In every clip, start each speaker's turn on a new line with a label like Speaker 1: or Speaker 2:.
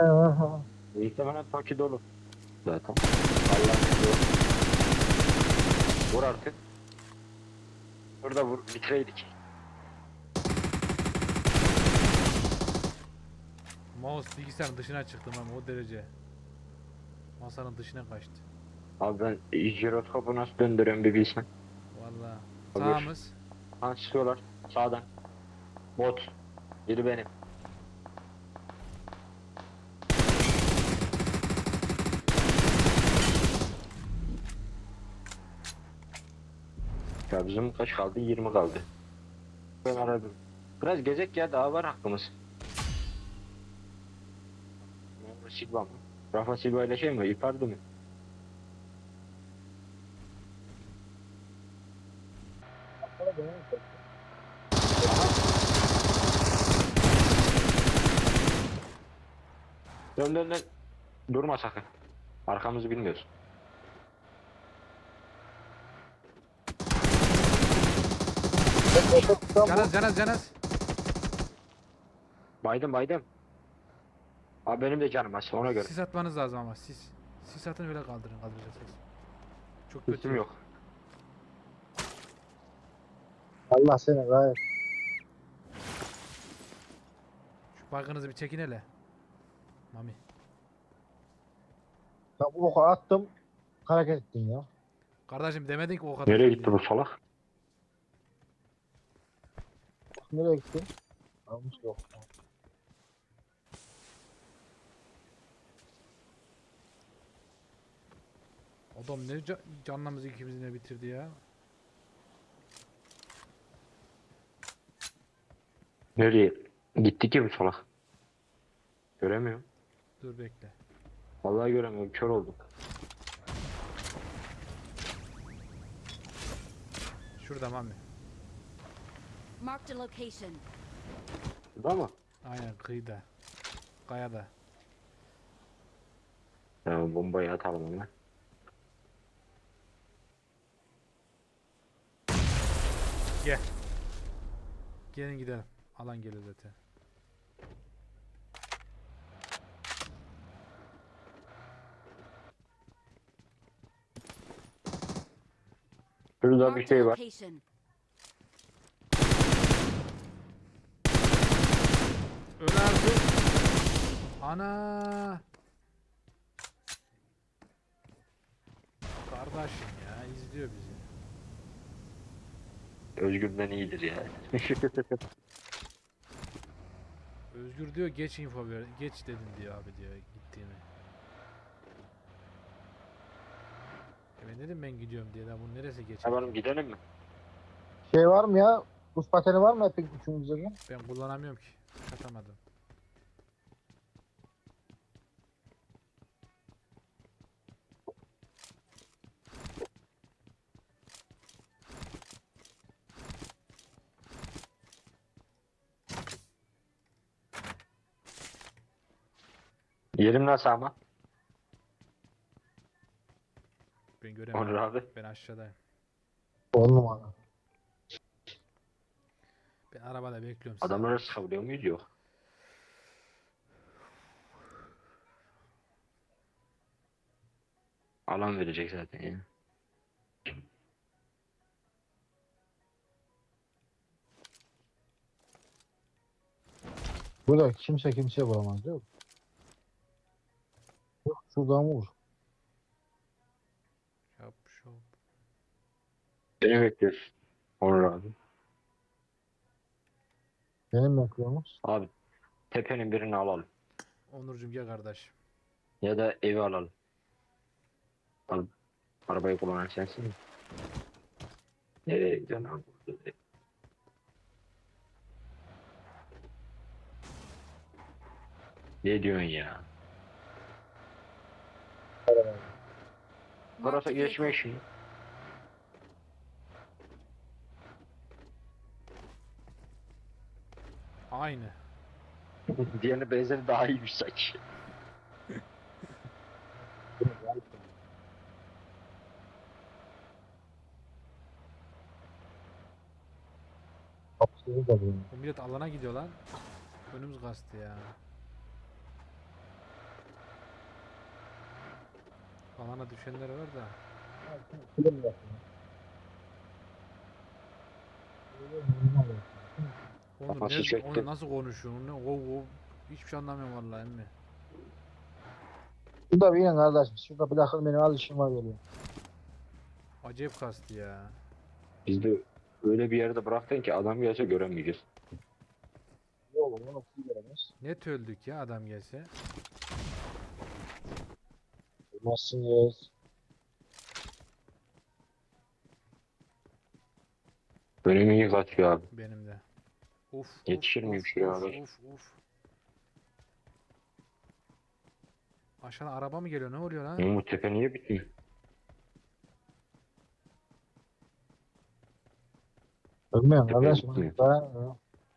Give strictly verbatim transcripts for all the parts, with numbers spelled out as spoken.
Speaker 1: Muhtemelen Toki dolu zaten. Allah'ın izniyle. Vur artık. Burada vur. Bitireydik.
Speaker 2: Mouse bilgisayarın dışına çıktım ama o derece. Masanın dışına kaçtı.
Speaker 1: Abi ben jiroskopu nasıl döndürüyorum bir bilsen.
Speaker 2: Vallahi.
Speaker 1: Öbür.
Speaker 2: Sağımız.
Speaker 1: Ha çıkıyorlar. Sağdan. Bot. Biri benim. Ya bizim kaç kaldı? yirmi kaldı. Ben aradım. Biraz gezek ya, daha var hakkımız. Rafa Silva mı? Rafa Silva ile şey mi? Icardi mi? Dön dön dön. Durma sakın. Arkamızı bilmiyoruz.
Speaker 2: Canaz canaz canaz.
Speaker 1: Baydım baydım. Abi benim de canım aç ona göre.
Speaker 2: Sis atmanız lazım ama sis. Sis atın öyle kaldırın kaldıracaksınız. Çok kötü.
Speaker 1: Üstüm yok.
Speaker 3: Allah seni gayet.
Speaker 2: Şu baygınızı bir çekin hele. Mami.
Speaker 3: Ya bu oku attım. Hareket ettin ya.
Speaker 2: Kardeşim demedin ki o kadar.
Speaker 1: Nereye
Speaker 2: şey
Speaker 1: gitti
Speaker 2: diye.
Speaker 1: bu salak?
Speaker 3: Nereye gittin? Almış yok.
Speaker 2: Adam ne ca canlamızı ikimizi ne bitirdi ya.
Speaker 1: Nereye? Gitti ki bu salak. Göremiyorum.
Speaker 2: Dur bekle.
Speaker 1: Vallahi göremiyorum. Kör oldum.
Speaker 2: Şurada Mami.
Speaker 4: Marked a location.
Speaker 1: Burada mı?
Speaker 2: Aynen kıyıda. Kayada.
Speaker 1: Ya bombayı atalım ona.
Speaker 2: Gel. Gelin gidelim. Alan geliyor zaten.
Speaker 1: Şurada bir
Speaker 4: Marked a
Speaker 1: şey var.
Speaker 4: location.
Speaker 2: Öl artık. Ana. Kardeşim ya izliyor bizi.
Speaker 1: Özgür'den iyidir ya.
Speaker 2: Özgür diyor geç info ver. Geç dedin diyor abi diyor gittiğini. E ben dedim ben gidiyorum diye daha bunun neresi geç?
Speaker 1: Tamam gidelim mi?
Speaker 3: Şey var mı ya? Buz pateni var mı hepin üçümüzde de?
Speaker 2: Ben kullanamıyorum ki. Atamadım.
Speaker 1: Yerim nasıl ama?
Speaker 2: Ben göremiyorum.
Speaker 1: Onur abi.
Speaker 2: Ben aşağıdayım.
Speaker 3: On numara.
Speaker 2: Ben arabada bekliyorum sizi.
Speaker 1: Adamları sıkabiliyor muyuz? Yok. Alan verecek zaten ya.
Speaker 3: Burada kimse kimseye vuramaz değil mi? Yok şuradan vur.
Speaker 2: Yap şop.
Speaker 1: Seni bekliyoruz. Onur abi.
Speaker 3: Benim bekliyormuş.
Speaker 1: Abi tepenin birini alalım.
Speaker 2: Onurcuğum gel kardeş.
Speaker 1: Ya da evi alalım. Al, arabayı kullanan sensin mi? Nereye gidiyorsun abi? Ne diyorsun ya?
Speaker 4: Marked
Speaker 1: Burası
Speaker 4: a
Speaker 1: geçme
Speaker 4: vehicle.
Speaker 1: işi.
Speaker 2: Aynı.
Speaker 1: Diğerine benzeri daha iyiymiş sanki.
Speaker 3: Kapısını da buldum.
Speaker 2: Bu millet alana gidiyor lan. Önümüz kastı ya. Alana düşenler var da.
Speaker 3: Film yapıyor.
Speaker 2: Onur
Speaker 1: Kafası
Speaker 2: nerede?
Speaker 1: çekti.
Speaker 2: Onu nasıl konuşuyorsun? Ne? O, o. Hiçbir şey anlamıyorum vallahi emmi.
Speaker 3: Şurada bir inin kardeşim. Şurada bırakın beni, az işim var geliyor.
Speaker 2: Acayip kastı ya.
Speaker 1: Biz de öyle bir yerde bıraktın ki adam gelse göremeyeceğiz.
Speaker 3: Ne olur onu kuyu göremez.
Speaker 2: Net öldük ya adam gelse.
Speaker 3: Olmazsınız.
Speaker 1: Önüm iyi kaçıyor abi.
Speaker 2: Benim de. Uf.
Speaker 1: Yetişir
Speaker 2: uf,
Speaker 1: miyim
Speaker 2: uf,
Speaker 1: şuraya
Speaker 2: uf,
Speaker 1: kadar?
Speaker 2: uf, uf. Aşağıdan araba mı geliyor? Ne oluyor lan?
Speaker 1: Umut Tepe niye bitmiyor?
Speaker 3: Ölmüyorum
Speaker 1: Tepeye
Speaker 3: kardeşim.
Speaker 1: gitmiyor.
Speaker 3: Dayan.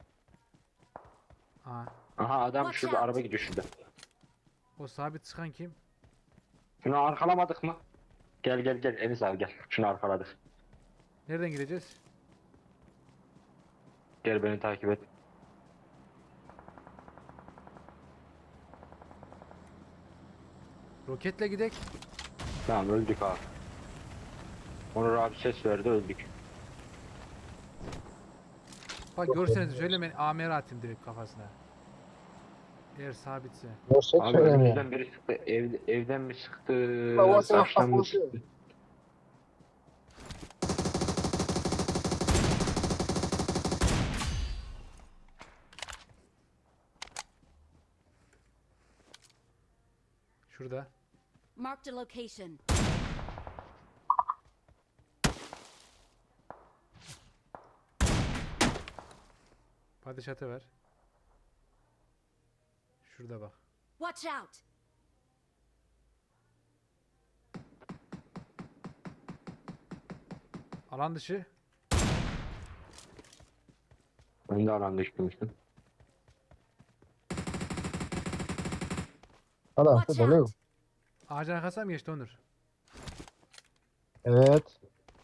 Speaker 2: Aa,
Speaker 1: Aha adam
Speaker 4: Watch
Speaker 1: şurada,
Speaker 4: out.
Speaker 1: araba gidiyor şurada.
Speaker 2: o sabit sıkan kim?
Speaker 1: Şunu arkalamadık mı? Gel gel gel Enis abi gel. Şunu arkaladık.
Speaker 2: Nereden gideceğiz?
Speaker 1: Gel beni takip et.
Speaker 2: Roketle gidek.
Speaker 1: Tamam öldük abi. Onur abi ses verdi, öldük.
Speaker 2: Bak görseniz söylemeyin. A M R atayım direkt kafasına. Eğer sabitse.
Speaker 3: Görsek
Speaker 1: Abi
Speaker 3: söylemiyor.
Speaker 1: önümüzden biri sıktı. Ev, evden mi sıktı?
Speaker 3: Baba sen
Speaker 1: Taştan mı
Speaker 3: haklısın.
Speaker 1: sıktı?
Speaker 2: Şurada.
Speaker 4: Marked a location.
Speaker 2: Padişatı ver. Şurada bak.
Speaker 4: Watch out!
Speaker 2: Alan dışı.
Speaker 1: Ben de alan düşmüştüm.
Speaker 3: Adam
Speaker 4: Watch
Speaker 3: dolu.
Speaker 4: out!
Speaker 2: Ağacın arkasına mı geçti Onur?
Speaker 3: Evet.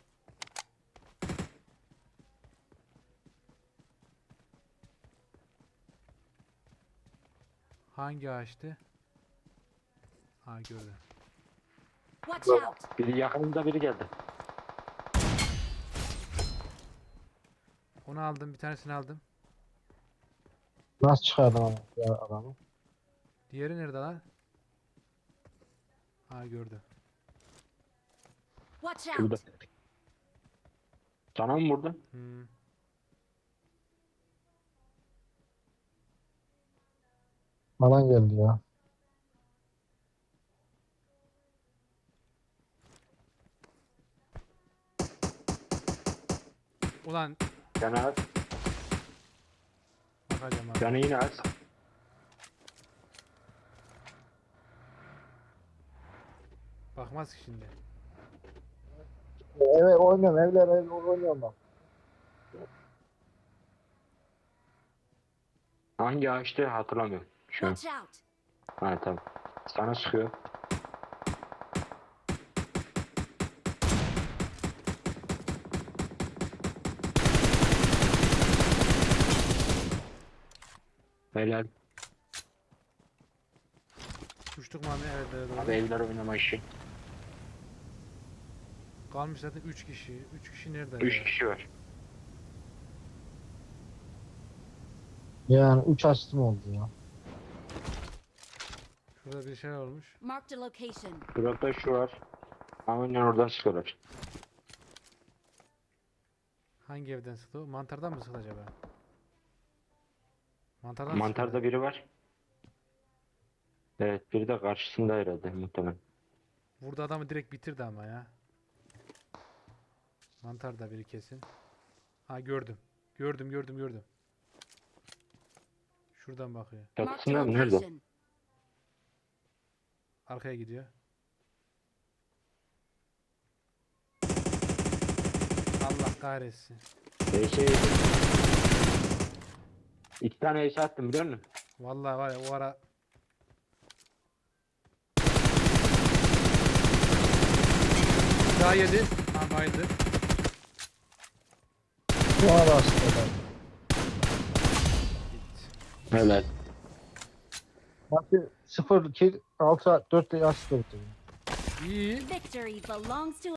Speaker 2: Hangi ağaçtı? Ha gördüm.
Speaker 4: Watch out!
Speaker 1: Biri yakınımda biri geldi.
Speaker 2: Onu aldım. Bir tanesini aldım.
Speaker 3: Nasıl çıkardın ama ya adamı?
Speaker 2: Diğeri nerede lan? Ha gördüm.
Speaker 4: Watch
Speaker 1: Şurada.
Speaker 4: out!
Speaker 1: Sana mı vurdu?
Speaker 2: Hmm.
Speaker 3: Alan geldi ya.
Speaker 2: Ulan
Speaker 1: Canı az.
Speaker 2: bakacağım abi.
Speaker 1: Canı yine az.
Speaker 2: Bakmaz ki şimdi.
Speaker 3: Evet oynuyorum. Evler ev oynuyorum bak.
Speaker 1: Hangi ağaçtı hatırlamıyorum şu an.
Speaker 4: Watch out!
Speaker 1: Ha tamam. Sana sıkıyor. Helal.
Speaker 2: Uçtuk mu abi? Evet evet.
Speaker 1: Abi
Speaker 2: doğru.
Speaker 1: evler oynama işi.
Speaker 2: Kalmış zaten üç kişi. üç kişi nerede?
Speaker 1: Üç
Speaker 2: ya?
Speaker 1: kişi var.
Speaker 3: Yani üç asistim oldu ya.
Speaker 2: Şurada bir şey olmuş.
Speaker 4: Marked a location.
Speaker 1: Burada şu var. Aynen oradan sıkıyorlar.
Speaker 2: Hangi evden sıktı o? Mantardan mı sıktı acaba? Mantardan
Speaker 1: Mantarda
Speaker 2: sıktı.
Speaker 1: biri var. Evet biri de karşısında herhalde muhtemelen.
Speaker 2: Burada adamı direkt bitirdi ama ya. Mantarda biri kesin. Ha gördüm. Gördüm gördüm gördüm. Şuradan bakıyor.
Speaker 4: Marked a
Speaker 1: Çatısında mı? Nerede?
Speaker 4: location.
Speaker 2: Arkaya gidiyor. Allah kahretsin.
Speaker 1: Eşe İki tane eşe attım biliyor musun?
Speaker 2: Vallahi var ya o ara daha yedi. Ha bayıldı.
Speaker 3: Buna da asistim.
Speaker 2: Gitti.
Speaker 1: Evet.
Speaker 3: Maçı sıfır iki altı dört asist bitirdim.
Speaker 2: İyi.
Speaker 4: Victory belongs to